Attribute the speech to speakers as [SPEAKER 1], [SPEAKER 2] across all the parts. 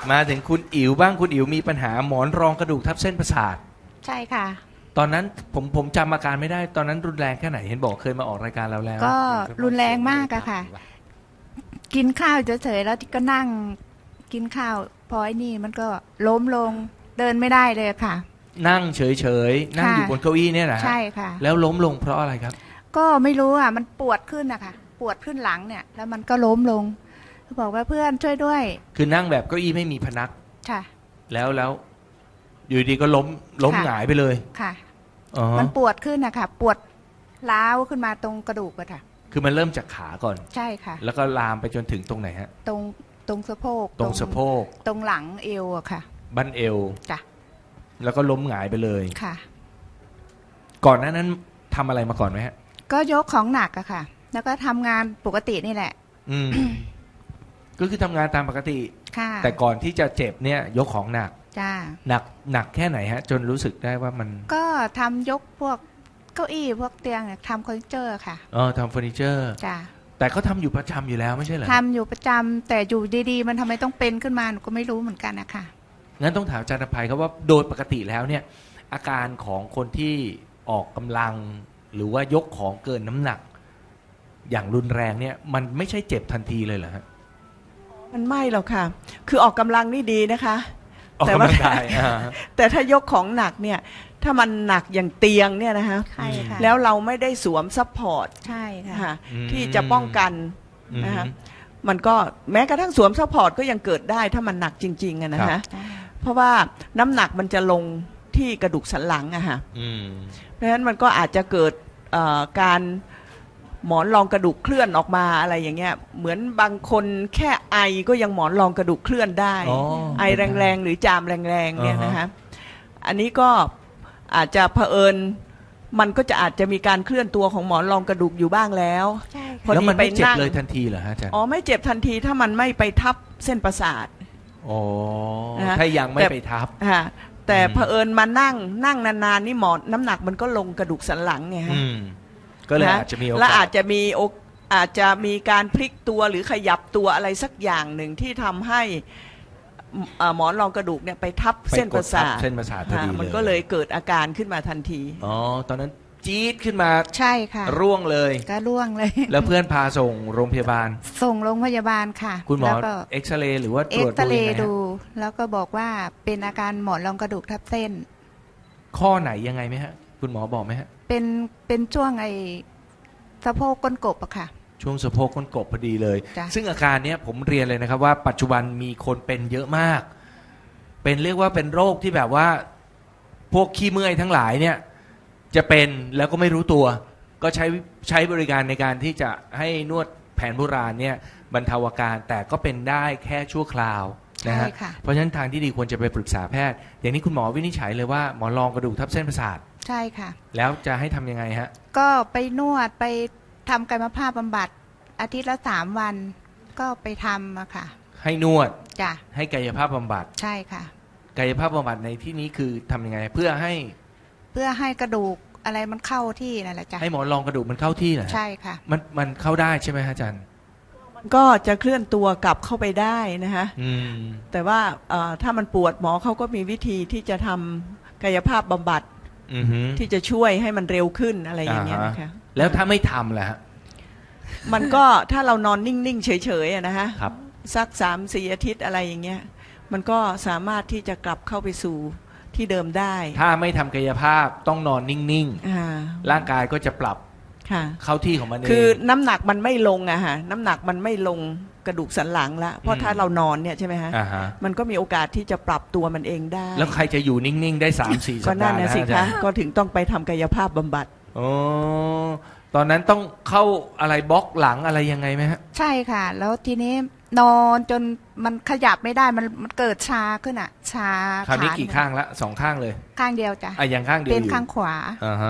[SPEAKER 1] มาถึงคุณอิ๋วบ้างคุณอิ๋วมีปัญหาหมอนรองกระดูกทับเส้นประสาท
[SPEAKER 2] ใช่ค่ะ
[SPEAKER 1] ตอนนั้นผมจำอาการไม่ได้ตอนนั้นรุนแรงแค่ไหนเห็นบอกเคยมาออกรายการเราแล้ว
[SPEAKER 2] ก็รุนแรงมากอะค่ะกินข้าวเฉยๆแล้วก็นั่งกินข้าวพอไอ้นี่มันก็ล้มลงเดินไม่ได้เลยค่ะ
[SPEAKER 1] นั่งเฉยๆนั่งอยู่บนเก้าอี้เนี่ยนะ
[SPEAKER 2] ใช่ค่ะ
[SPEAKER 1] แล้วล้มลงเพราะอะไรครับ
[SPEAKER 2] ก็ไม่รู้อ่ะมันปวดขึ้นอะค่ะปวดขึ้นหลังเนี่ยแล้วมันก็ล้มลงบอกว่าเพื่อนช่วยด้วย
[SPEAKER 1] คือนั่งแบบเก้าอี้ไม่มีพนัก
[SPEAKER 2] ค่ะ
[SPEAKER 1] แล้วอยู่ดีก็ล้มหงายไปเลย
[SPEAKER 2] ค่ะมันปวดขึ้นอะค่ะปวดร้าวขึ้นมาตรงกระดูกอะค่ะ
[SPEAKER 1] คือมันเริ่มจากขาก่อน
[SPEAKER 2] ใช่ค่ะ
[SPEAKER 1] แล้วก็ลามไปจนถึงตรงไหนฮะ
[SPEAKER 2] ตรงสะโพก
[SPEAKER 1] ตรงสะโพก
[SPEAKER 2] ตรงหลังเอวอะค่ะ
[SPEAKER 1] บั้นเอว
[SPEAKER 2] จ้ะ
[SPEAKER 1] แล้วก็ล้มหงายไปเลย
[SPEAKER 2] ค่ะ
[SPEAKER 1] ก่อนหน้านั้นทำอะไรมาก่อนไหมฮะ
[SPEAKER 2] ก็ยกของหนักอะค่ะแล้วก็ทำงานปกตินี่แหละ
[SPEAKER 1] ก็คือทำงานตามปกติ
[SPEAKER 2] ค่ะ
[SPEAKER 1] แต่ก่อนที่จะเจ็บเนี่ยยกของหนัก
[SPEAKER 2] จ้า
[SPEAKER 1] หนักแค่ไหนฮะจนรู้สึกได้ว่ามัน
[SPEAKER 2] ก็ทำยกพวกเก้าอี้พวกเตียงทำเฟอร์นิเจอร์ค่ะ
[SPEAKER 1] ทำเฟอร์นิเจอร์
[SPEAKER 2] จ้า
[SPEAKER 1] แต่เขาทำอยู่ประจำอยู่แล้วไม่ใช่เหรอ
[SPEAKER 2] ทำอยู่ประจำแต่อยู่ดีๆมันทำไมต้องเป็นขึ้นมาหนูก็ไม่รู้เหมือนกันนะคะ
[SPEAKER 1] งั้นต้องถามอาจารย์อภัยครับว่าโดยปกติแล้วเนี่ยอาการของคนที่ออกกำลังหรือว่ายกของเกินน้ำหนักอย่างรุนแรงเนี่ยมันไม่ใช่เจ็บทันทีเลยเหรอฮะ
[SPEAKER 3] มันไม่หรอกค่ะคือออกกำลังนี่ดีนะคะ
[SPEAKER 1] แต่ว่า
[SPEAKER 3] แต่ถ้ายกของหนักเนี่ยถ้ามันหนักอย่างเตียงเนี่ยนะคะแล้วเราไม่ได้สวมซัพพอร์ต
[SPEAKER 2] ใช่ค่ะ
[SPEAKER 3] ที่จะป้องกันนะคะมันก็แม้กระทั่งสวมซัพพอร์ตก็ยังเกิดได้ถ้ามันหนักจริงๆนะคะเพราะว่าน้ำหนักมันจะลงที่กระดูกสันหลังอะค่ะเพราะฉะนั้นมันก็อาจจะเกิดการหมอนรองกระดูกเคลื่อนออกมาอะไรอย่างเงี้ยเหมือนบางคนแค่ไอก็ยังหมอนรองกระดูกเคลื่อนได้ไอแรงๆหรือจามแรงๆเนี่ยนะคะอันนี้ก็อาจจะเผอิญมันก็จะอาจจะมีการเคลื่อนตัวของหมอนรองกระดูกอยู่บ้างแล้ว
[SPEAKER 1] แล้วมันไม่เจ็บเลยทันทีเหรอฮะอาจารย์
[SPEAKER 3] ไม่เจ็บทันทีถ้ามันไม่ไปทับเส้นประสาท
[SPEAKER 1] ถ้ายังไม่ไปทับ
[SPEAKER 3] แต่เผอิญมานั่งนานๆนี่หมอนน้ำหนักมันก็ลงกระดูกสันหลังไงฮะ
[SPEAKER 1] ก็เลยอาจจะมีโอกาส
[SPEAKER 3] และอาจจะมีการพลิกตัวหรือขยับตัวอะไรสักอย่างหนึ่งที่ทำให้หมอนรองกระดูกเนี่ยไปทับเส้นประสาท
[SPEAKER 1] พอดี
[SPEAKER 3] มันก็เลยเกิดอาการขึ้นมาทันที
[SPEAKER 1] ตอนนั้นจี๊ดขึ้นมา
[SPEAKER 2] ใช่ค่ะ
[SPEAKER 1] ร่วงเลย
[SPEAKER 2] ก็ร่วงเลย
[SPEAKER 1] แล้วเพื่อนพาส่งโรงพยาบาล
[SPEAKER 2] ส่งโรงพยาบาลค่ะ
[SPEAKER 1] คุณหมอเอ็กซเรย์หรือว่าตรวจ
[SPEAKER 2] ดูแล้วก็บอกว่าเป็นอาการหมอนรองกระดูกทับเส้น
[SPEAKER 1] ข้อไหนยังไงไหมฮะคุณหมอบอกไหมฮะ
[SPEAKER 2] เป็นช่วงไอ้สะโพกก้นกบอะค่ะ
[SPEAKER 1] ช่วงสะโพกก้นกบพอดีเลยซึ่งอาการนี้ผมเรียนเลยนะครับว่าปัจจุบันมีคนเป็นเยอะมากเป็นเรียกว่าเป็นโรคที่แบบว่าพวกขี้เมื่อยทั้งหลายเนี่ยจะเป็นแล้วก็ไม่รู้ตัวก็ใช้บริการในการที่จะให้นวดแผนโบราณเนี่ยบรรเทาอาการแต่ก็เป็นได้แค่ชั่วคราวนะฮะเพราะฉะนั้นทางที่ดีควรจะไปปรึกษาแพทย์อย่างนี้คุณหมอวินิจฉัยเลยว่าหมอนรองกระดูกทับเส้นประสาท
[SPEAKER 2] ใช่ค่ะ
[SPEAKER 1] แล้วจะให้ทำยังไงฮะ
[SPEAKER 2] ก็ไปนวดไปทำกายภาพบำบัดอาทิตย์ละ3 วันก็ไปทำอะค่ะ
[SPEAKER 1] ให้นวด
[SPEAKER 2] จ้ะ
[SPEAKER 1] ให้กายภาพบำบัด
[SPEAKER 2] ใช่ค่ะ
[SPEAKER 1] กายภาพบำบัดในที่นี้คือทำยังไงเพื่อให้
[SPEAKER 2] กระดูกอะไรมันเข้าที่นั่นแหละจ้ะ
[SPEAKER 1] ให้หมอนรองกระดูกมันเข้าที่เหรอ
[SPEAKER 2] ใช่ค่ะ
[SPEAKER 1] มันเข้าได้ใช่ไหมฮะอาจารย์
[SPEAKER 3] มันก็จะเคลื่อนตัวกลับเข้าไปได้นะฮะแต่ว่าถ้ามันปวดหมอเขาก็มีวิธีที่จะทำกายภาพบำบัดที่จะช่วยให้มันเร็วขึ้นอะไรอย่างเงี้ยนะคะ
[SPEAKER 1] แล้วถ้าไม่ทำล่ะฮะ
[SPEAKER 3] มันก็ถ้าเรานอนนิ่งๆเฉยๆนะฮะสัก3-4 อาทิตย์อะไรอย่างเงี้ยมันก็สามารถที่จะกลับเข้าไปสู่ที่เดิมได้
[SPEAKER 1] ถ้าไม่ทำกายภาพต้องนอนนิ่งๆร่างกายก็จะปรับเข้าที่ของมันเอง
[SPEAKER 3] คือน้ำหนักมันไม่ลงอะฮะน้ำหนักมันไม่ลงกระดูกสันหลังละเพราะถ้าเรานอนเนี่ยใช่ไหมฮะมันก็มีโอกาสที่จะปรับตัวมันเองได้
[SPEAKER 1] แล้วใครจะอยู่นิ่งๆได้ 3-4 สัปดาห์
[SPEAKER 3] ก็นั่นนะสิคะก็ถึงต้องไปทำกายภาพบำบัด
[SPEAKER 1] ตอนนั้นต้องเข้าอะไรบล็อกหลังอะไรยังไงไหมฮะ
[SPEAKER 2] ใช่ค่ะแล้วทีนี้นอนจนมันขยับไม่ได้มันเกิดชาขึ้นอ่ะชา
[SPEAKER 1] คราวนี้กี่ข้างละ2 ข้างเลย
[SPEAKER 2] ข้างเดียวจ้ะ
[SPEAKER 1] อย่างข้างเดียว
[SPEAKER 2] เป็นข้างขวา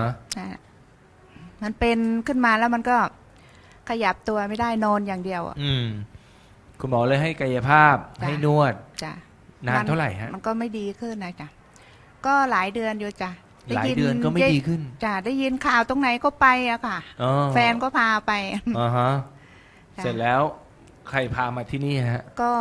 [SPEAKER 2] มันเป็นขึ้นมาแล้วมันก็ขยับตัวไม่ได้นอนอย่างเดียว
[SPEAKER 1] คุณหมอเลยให้กายภาพให้นวด
[SPEAKER 2] จ้ะ
[SPEAKER 1] นานเท่าไหร่ฮะ
[SPEAKER 2] มันก็ไม่ดีขึ้นนะจ้ะก็หลายเดือนอยู่จ้ะ
[SPEAKER 1] หลายเดือนก็ไม่ดีขึ้น
[SPEAKER 2] จ้ะได้ยินข่าวตรงไหนก็ไปอะค่ะแฟนก็พาไป
[SPEAKER 1] เสร็จแล้วใครพามาที่นี่ฮะ
[SPEAKER 2] ก็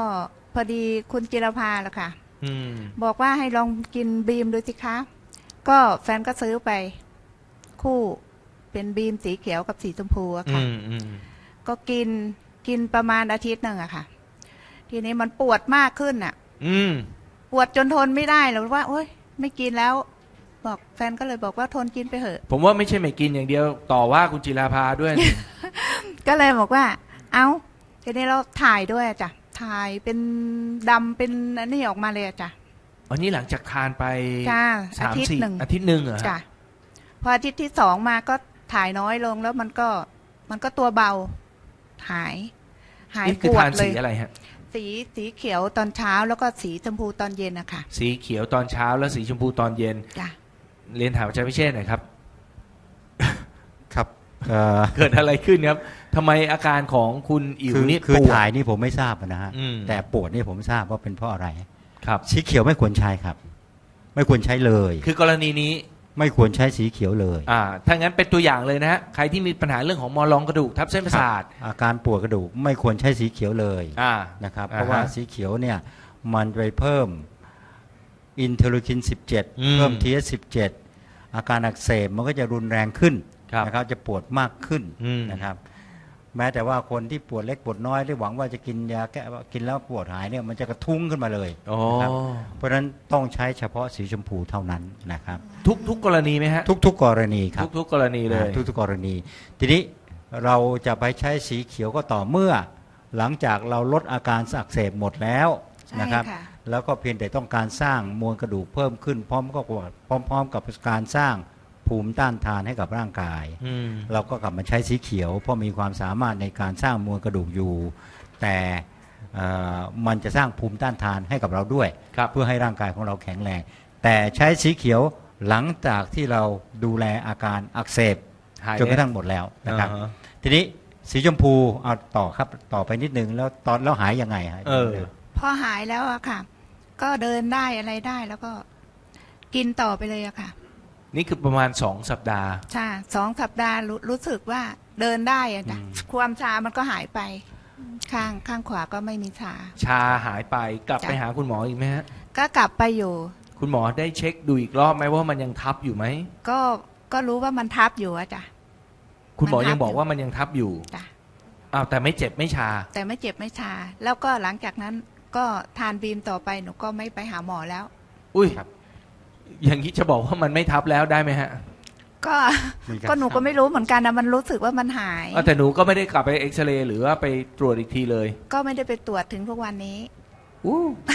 [SPEAKER 2] พอดีคุณจิรภาแหละค่ะ
[SPEAKER 1] อืม
[SPEAKER 2] บอกว่าให้ลองกินบีมดูสิคะก็แฟนก็ซื้อไปคู่เป็นบีมสีเขียวกับสีชมพูอะ
[SPEAKER 1] อื
[SPEAKER 2] ค่ะ
[SPEAKER 1] มอืม
[SPEAKER 2] ก็กินประมาณอาทิตย์หนึ่งอะค่ะ ทีนี้มันปวดมากขึ้นอะ
[SPEAKER 1] อืม
[SPEAKER 2] ปวดจนทนไม่ได้แล้วว่าโอ๊ยไม่กินแล้ว บอกแฟนก็เลยบอกว่าทนกินไปเถอะ
[SPEAKER 1] ผมว่าไม่ใช่ไม่กินอย่างเดียวต่อว่าคุณจิราภาด้วย
[SPEAKER 2] ก็เลยบอกว่า เอาทีนี้เราถ่ายด้วยอะจ้ะถ่ายเป็นดำเป็นอันนี้ออกมาเลยอะจ้ะ
[SPEAKER 1] อันนี้หลังจากทานไป
[SPEAKER 2] จ้า
[SPEAKER 1] สาม
[SPEAKER 2] อาทิตย์
[SPEAKER 1] สี่
[SPEAKER 2] หนึ่ง
[SPEAKER 1] อาทิตย์หนึ่งเหรอฮะ
[SPEAKER 2] จ้ะพออาทิตย์ที่สองมาก็ถ่ายน้อยลงแล้วมันก็ตัวเบาหาย
[SPEAKER 1] นี่คื
[SPEAKER 2] ป
[SPEAKER 1] อ
[SPEAKER 2] ว
[SPEAKER 1] ทา
[SPEAKER 2] ด
[SPEAKER 1] น
[SPEAKER 2] เล
[SPEAKER 1] สี
[SPEAKER 2] ย
[SPEAKER 1] อะไรฮะ
[SPEAKER 2] สีเขียวตอนเช้าแล้วก็สีชมพูตอนเย็นอะค่ะ
[SPEAKER 1] สีเขียวตอนเช้าและสีชมพูตอนเย็น
[SPEAKER 2] จ้ะ
[SPEAKER 1] เรียนถามอาจารย์พิเชษฐ์หน่อยครับ
[SPEAKER 4] ครับ
[SPEAKER 1] เกิดอะไรขึ้นครับทำไมอาการของคุณอิ๋วนี่
[SPEAKER 4] คือ
[SPEAKER 1] ปวด
[SPEAKER 4] ถ่ายนี่ผมไม่ทราบนะฮะ
[SPEAKER 1] อืม
[SPEAKER 4] แต่ปวดนี่ผมทราบว่าเป็นเพราะอะไร
[SPEAKER 1] ครับ
[SPEAKER 4] สีเขียวไม่ควรใช้ครับ ไม่ควรใช้เลย
[SPEAKER 1] คือกรณีนี้
[SPEAKER 4] ไม่ควรใช้สีเขียวเลย
[SPEAKER 1] ถ้างั้นเป็นตัวอย่างเลยนะฮะใครที่มีปัญหาเรื่องของมอลองกระดูกทับเส้นประสาท
[SPEAKER 4] อาการปวดกระดูกไม่ควรใช้สีเขียวเลย
[SPEAKER 1] อ่า
[SPEAKER 4] นะครับ
[SPEAKER 1] อ่าฮะ
[SPEAKER 4] เพราะว่าสีเขียวเนี่ยมันไปเพิ่มอินเทอร์ลูคิน 17 เพิ่ม TH17 อาการอักเสบมันก็จะรุนแรงขึ้น
[SPEAKER 1] ครับ
[SPEAKER 4] นะครับจะปวดมากขึ้น
[SPEAKER 1] อืม
[SPEAKER 4] นะครับ แม้แต่ว่าคนที่ปวดเล็กปวดน้อยที่หวังว่าจะกินยาแก้กินแล้วปวดหายเนี่ยมันจะกระทุ้งขึ้นมาเลย
[SPEAKER 1] อ๋อ
[SPEAKER 4] นะครับเพราะฉะนั้นต้องใช้เฉพาะสีชมพูเท่านั้นนะครับ
[SPEAKER 1] ทุกกรณีไหมฮะ
[SPEAKER 4] ทุกๆกรณีครับ
[SPEAKER 1] ทุกกรณีเลย
[SPEAKER 4] ทุกๆกรณี ทีนี้เราจะไปใช้สีเขียวก็ต่อเมื่อ หลังจากเราลดอาการอักเสบหมดแล้ว
[SPEAKER 2] ใช่
[SPEAKER 4] นะครับ
[SPEAKER 2] ค่ะ
[SPEAKER 4] แล้วก็เพียงแต่ต้องการสร้างมวลกระดูกเพิ่มขึ้นพร้อมกับการสร้างภูมิต้านทานให้กับร่างกาย
[SPEAKER 1] อืม
[SPEAKER 4] เราก็กลับมาใช้สีเขียวเพราะมีความสามารถในการสร้างมวลกระดูกอยู่ แต่มันจะสร้างภูมิต้านทานให้กับเราด้วย
[SPEAKER 1] ครับ
[SPEAKER 4] เพื่อให้ร่างกายของเราแข็งแรง แต่ใช้สีเขียวหลังจากที่เราดูแลอาการอักเสบ
[SPEAKER 1] หาย
[SPEAKER 4] จนกระทั่งหมดแล้วนะครับ
[SPEAKER 1] อ่าฮะ
[SPEAKER 4] ทีนี้สีชมพูเอาต่อครับต่อไปนิดนึงแล้วหายยังไงฮะ
[SPEAKER 2] พอหายแล้วอะค่ะ ก็เดินได้อะไรได้แล้วก็กินต่อไปเลยอะค่ะ
[SPEAKER 1] นี่คือประมาณ2 สัปดาห์
[SPEAKER 2] ใช่2 สัปดาห์รู้สึกว่าเดินได้อะจ้ะความชามันก็หายไป ข้างขวาก็ไม่มีชา
[SPEAKER 1] ชาหายไปกลับไปหาคุณหมออีกไหมฮะ
[SPEAKER 2] ก็กลับไปอยู่
[SPEAKER 1] คุณหมอได้เช็คดูอีกรอบไหมว่ามันยังทับอยู่ไหม
[SPEAKER 2] ก็รู้ว่ามันทับอยู่อะจ้ะ
[SPEAKER 1] คุณหมอ
[SPEAKER 2] มันทับ
[SPEAKER 1] ยังบอกว่ามันยังทับอยู่
[SPEAKER 2] จ้ะ
[SPEAKER 1] อ้าวแต่ไม่เจ็บไม่ชา
[SPEAKER 2] แต่ไม่เจ็บไม่ชา แล้วก็หลังจากนั้นก็ทานบีมต่อไปหนูก็ไม่ไปหาหมอแล้ว
[SPEAKER 1] อุ้ยอย่างนี้จะบอกว่ามันไม่ทับแล้วได้ไหมฮะ
[SPEAKER 2] ก็หนูก็ไม่รู้เหมือนกันนะมันรู้สึกว่ามันหาย
[SPEAKER 1] แต่หนูก็ไม่ได้กลับไปเอ็กซเรย์หรือว่าไปตรวจอีกทีเลย
[SPEAKER 2] ก็ไม่ได้ไปตรวจถึงทุกวันนี้
[SPEAKER 1] อู้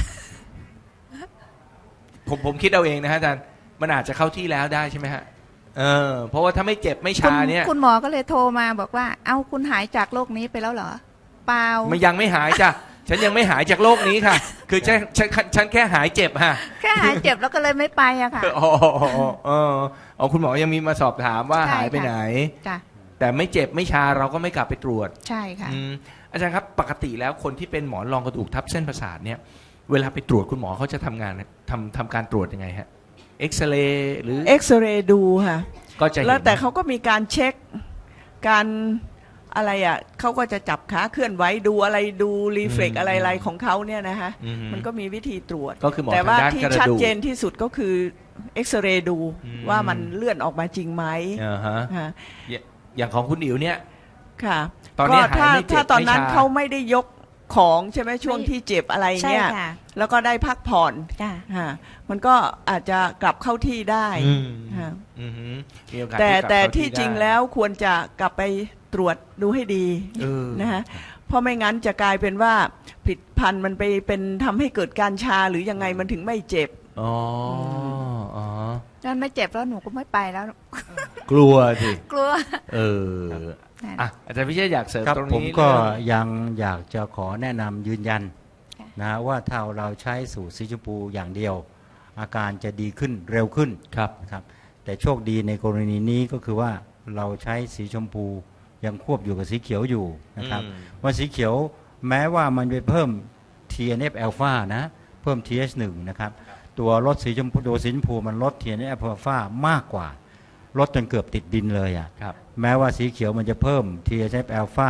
[SPEAKER 1] ผมคิดเอาเองนะฮะอาจารย์มันอาจจะเข้าที่แล้วได้ใช่ไหมฮะเพราะว่าถ้าไม่เจ็บไม่ชาเนี่ย
[SPEAKER 2] คุณหมอก็เลยโทรมาบอกว่า เอ้าคุณหายจากโรคนี้ไปแล้วเหรอ เปล่า
[SPEAKER 1] มันยังไม่หายจ้ะ ฉันยังไม่หายจากโรคนี้ค่ะ คือฉันแค่หายเจ็บฮะ
[SPEAKER 2] แค่หายเจ็บแล้วก็เลยไม่ไปอะค่ะ
[SPEAKER 1] อ๋อคุณหมอยังมีมาสอบถามว่า
[SPEAKER 2] ใช่ค่ะ
[SPEAKER 1] หายไปไหน
[SPEAKER 2] จ้ะ
[SPEAKER 1] แต่ไม่เจ็บไม่ชาเราก็ไม่กลับไปตรวจ
[SPEAKER 2] ใช่ค่ะ
[SPEAKER 1] อาจารย์ครับปกติแล้วคนที่เป็นหมอนรองกระดูกทับเส้นประสาทเนี่ยเวลาไปตรวจคุณหมอเขาจะทำงานทำการตรวจยังไงฮะเอ็กซเรย์หรือ
[SPEAKER 3] เอ็กซเรย์ดูค่ะ
[SPEAKER 1] ก็จะเห็น
[SPEAKER 3] แล้วแต่เขาก็มีการเช็คการอะไรอ่ะเขาก็จะจับขาเคลื่อนไหวดูอะไรดูรีเฟล็กอะไรของเขาเนี่ยนะฮะ
[SPEAKER 1] อื
[SPEAKER 3] มันก็มีวิธีตรวจ
[SPEAKER 1] ก็คือหมอ
[SPEAKER 3] แต่ว่า
[SPEAKER 1] ทางด้าน
[SPEAKER 3] ที่
[SPEAKER 1] กระดูก
[SPEAKER 3] ชัดเจนที่สุดก็คือเอ็กซเรย์ดู
[SPEAKER 1] อืม
[SPEAKER 3] ว่ามันเลื่อนออกมาจริงไหม
[SPEAKER 1] อ่าฮะ
[SPEAKER 3] ค่ะ
[SPEAKER 1] อย่างของคุณอิ๋วเนี่ย
[SPEAKER 3] ค่ะ
[SPEAKER 1] ตอนนี้
[SPEAKER 3] ก็
[SPEAKER 1] หายไม่เจ็บ
[SPEAKER 3] ถ้าตอนนั้น
[SPEAKER 1] ไม่ชา
[SPEAKER 3] เขาไม่ได้ยกของใช่ไหมช่วงที่เจ็บอะไรเนี่ย
[SPEAKER 2] ใช่ค่ะ
[SPEAKER 3] แล้วก็ได้พักผ่อน
[SPEAKER 2] จ้ะ
[SPEAKER 3] ค่ะมันก็อาจจะกลับเข้าที่ได้
[SPEAKER 1] อืม
[SPEAKER 3] ค่ะ
[SPEAKER 1] อือหือมีโอกาส
[SPEAKER 3] แต่
[SPEAKER 1] กลับ
[SPEAKER 3] แต่
[SPEAKER 1] เข้า
[SPEAKER 3] ที่จริง
[SPEAKER 1] ได้
[SPEAKER 3] แล้วควรจะกลับไปตรวจดูให้ดี
[SPEAKER 1] เออ
[SPEAKER 3] นะฮะเพราะไม่งั้นจะกลายเป็นว่าผลิตภัณฑ์มันไปเป็นทำให้เกิดการชาหรือยังไงมันถึงไม่เจ็บ
[SPEAKER 1] อ๋ออ๋อ
[SPEAKER 2] นั่นไม่เจ็บแล้วหนูก็ไม่ไปแล้ว
[SPEAKER 1] กลัวสิ
[SPEAKER 2] กลัว
[SPEAKER 1] เอออ่ะอาจารย์พิเชษฐ์อยากเสริม
[SPEAKER 4] ครับ
[SPEAKER 1] ตรง
[SPEAKER 4] ผม
[SPEAKER 1] นี้
[SPEAKER 4] ก็
[SPEAKER 1] เรื่อง
[SPEAKER 4] ยังอยากจะขอแนะนำยืนยัน
[SPEAKER 2] ค่ะ
[SPEAKER 4] นะว่าถ้าเราใช้สูตรสีชมพูอย่างเดียว อาการจะดีขึ้นเร็วขึ้น
[SPEAKER 1] ครับ
[SPEAKER 4] นะครับแต่โชคดีในกรณีนี้ก็คือว่าเราใช้สีชมพูยังควบอยู่กับสีเขียวอยู่นะครับ
[SPEAKER 1] อืม
[SPEAKER 4] ว่าสีเขียวแม้ว่ามันไปเพิ่ม TNF อ l p h a นะเพิ่ม TH1 นะครับตัวลดสีชมพูตัวสีชมพูมันลด TNF อ l p h a มากกว่าลดจนเกือบติดดินเลยอ่ะ
[SPEAKER 1] ครับ
[SPEAKER 4] แม้ว่าสีเขียวมันจะเพิ่ม TNF อ l p h a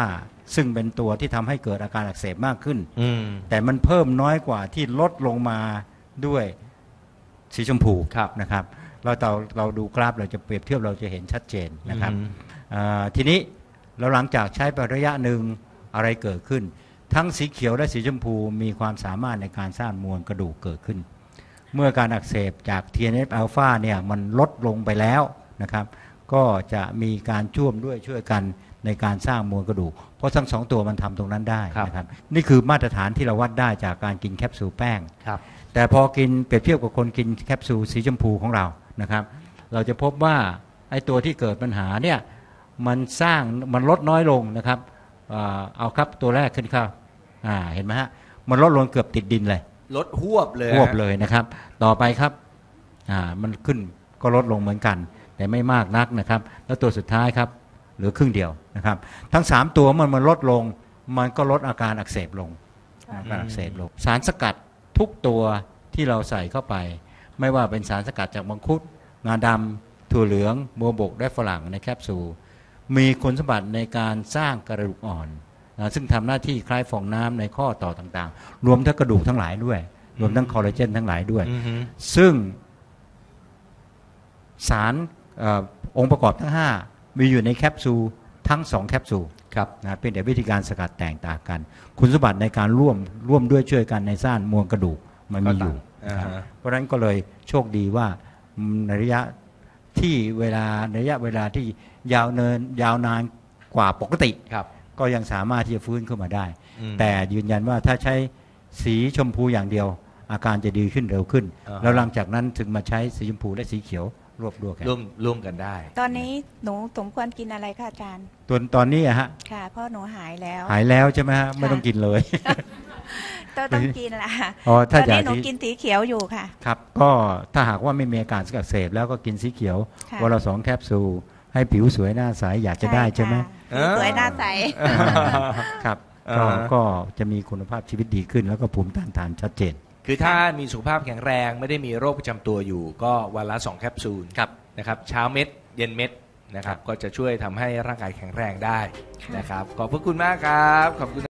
[SPEAKER 4] ซึ่งเป็นตัวที่ทำให้เกิดอาการอักเสบมากขึ้น
[SPEAKER 1] อืม
[SPEAKER 4] แต่มันเพิ่มน้อยกว่าที่ลดลงมาด้วยสีชมพู
[SPEAKER 1] ครับ
[SPEAKER 4] นะครับเราดูกราฟเราจะเปรียบเทียบเราจะเห็นชัดเจนนะครับ
[SPEAKER 1] อืม
[SPEAKER 4] ทีนี้เราหลังจากใช้ไประยะหนึ่งอะไรเกิดขึ้น ทั้งสีเขียวและสีชมพูมีความสามารถในการสร้างมวลกระดูกเกิดขึ้น เมื่อการอักเสบจาก TNF อ l p h a เนี่ยมันลดลงไปแล้วนะครับก็จะมีการช่วยกันในการสร้างมวลกระดูกเพราะทั้งสองตัวมันทำตรงนั้นได้นะครับนี่คือมาตรฐานที่เราวัดได้จากการกินแคปซูลแป้ง
[SPEAKER 1] ครับ
[SPEAKER 4] แต่พอกินเปรียบเทียบกับคนกินแคปซูลสีชมพูของเรานะครับเราจะพบว่าไอ้ตัวที่เกิดปัญหาเนี่ยมันลดน้อยลงนะครับเอาครับตัวแรกขึ้นครับเห็นไหมฮะมันลดลงเกือบติดดินเลย
[SPEAKER 1] ลดหวบเลย
[SPEAKER 4] ควบเลยนะครับต่อไปครับมันขึ้นก็ลดลงเหมือนกันแต่ไม่มากนักนะครับแล้วตัวสุดท้ายครับเหลือครึ่งเดียวนะครับทั้ง3ตัวมันลดลงมันก็ลดอาการอักเสบลงสารสกัดทุกตัวที่เราใส่เข้าไปไม่ว่าเป็นสารสกัดจากมังคุดงาดำถั่วเหลืองบัวบกและฝรั่งในแคปซูลมีคุณสมบัติในการสร้างกระดูกอ่อนซึ่งทำหน้าที่คล้ายฟองน้ำในข้อต่อต่างๆรวมทั้งกระดูกทั้งหลายด้วยรวมทั้งคอลลาเจนทั้งหลายด้วยซึ่งสารองค์ประกอบทั้ง5มีอยู่ในแคปซูลทั้ง2แคปซูลครับนะเป็นแต่วิธีการสกัดแตกต่างกันคุณสมบัติในการร่วมด้วยช่วยกันในสร้างมวลกระดูกมันมีอยู่เพราะฉะนั้นก็เลยโชคดีว่าในระยะเวลาที่ยาวนานกว่าปกติก็ยังสามารถที่จะฟื้นขึ้นมาได้แต่ยืนยันว่าถ้าใช้สีชมพูอย่างเดียวอาการจะดีขึ้นเร็วขึ้นแล้วหลังจากนั้นถึงมาใช้สีชมพูและสีเขียวร่วมกันได้
[SPEAKER 2] ตอนนี้หนูสมควรกินอะไรคะอาจารย์
[SPEAKER 4] ตอนนี้ฮะ
[SPEAKER 2] ค่ะเพราะหนูหายแล้ว
[SPEAKER 4] ใช่ไหมฮะไม่ต้องกินเลย
[SPEAKER 2] ต้องกินละตอนนี้หนูกินสีเขียวอยู่ค่ะ
[SPEAKER 4] ครับก็ถ้าหากว่าไม่มีอาการอักเสบแล้วก็กินสีเขียววันละ2แคปซูลให้ผิวสวยหน้าใสอยากจะได้ใช่ไหม
[SPEAKER 2] สวยหน้าใส
[SPEAKER 4] ครับก็จะมีคุณภาพชีวิตดีขึ้นแล้วก็ภูมิต้านทานชัดเจน
[SPEAKER 1] คือถ้ามีสุขภาพแข็งแรงไม่ได้มีโรคประจำตัวอยู่ก็วันละ2แคปซูลนะครับเช้าเม็ดเย็นเม็ดนะครับก็จะช่วยทำให้ร่างกายแข็งแรงได้นะครับขอบพระคุณมากครับขอบคุณ